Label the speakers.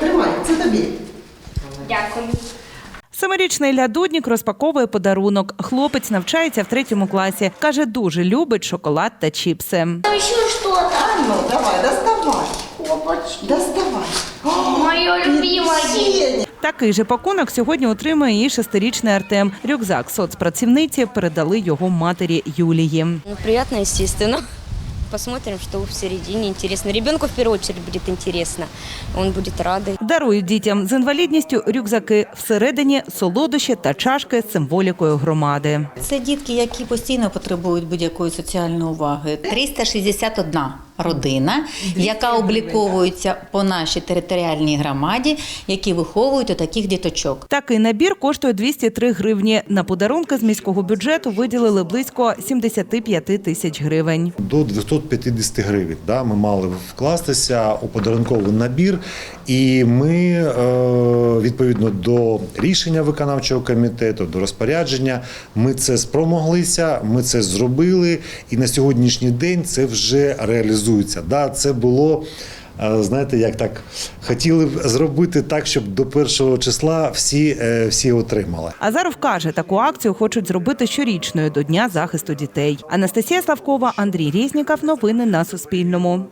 Speaker 1: тримай, це тобі.
Speaker 2: Дякую.
Speaker 3: 7-річний Ілля Дуднік розпаковує подарунок. Хлопець навчається в 3 класі. Каже, дуже любить шоколад та чіпси.
Speaker 2: Там еще что-то.
Speaker 1: А ну, давай, доставай.
Speaker 2: Опачки.
Speaker 1: Доставай.
Speaker 2: Мое любимое.
Speaker 1: Сеня.
Speaker 3: Такий же пакунок сьогодні отримує і 6-річний Артем. Рюкзак соцпрацівниці передали його матері Юлії.
Speaker 4: Ну, приятно, естественно. Посмотрим, что в середине интересно. Ребенку в первую очередь будет интересно. Он будет рад.
Speaker 3: Дарують дітям з інвалідністю рюкзаки. Всередині солодощі та чашки з символікою громади.
Speaker 5: Це дітки, які постійно потребують будь-якої соціальної уваги. 361 родина, яка обліковується по нашій територіальній громаді, які виховують отаких діточок.
Speaker 3: Такий набір коштує 203 гривні. На подарунки з міського бюджету виділили близько 75 тисяч гривень.
Speaker 6: До 250 гривень ми мали вкластися у подарунковий набір. І ми, відповідно до рішення виконавчого комітету, до розпорядження, ми це спромоглися, ми це зробили. І на сьогоднішній день це вже реалізується. Це було, знаєте, як так, хотіли б зробити так, щоб до 1 числа всі отримали.
Speaker 3: Азаров каже, таку акцію хочуть зробити щорічною до Дня захисту дітей. Анастасія Славкова, Андрій Резніков. Новини на Суспільному.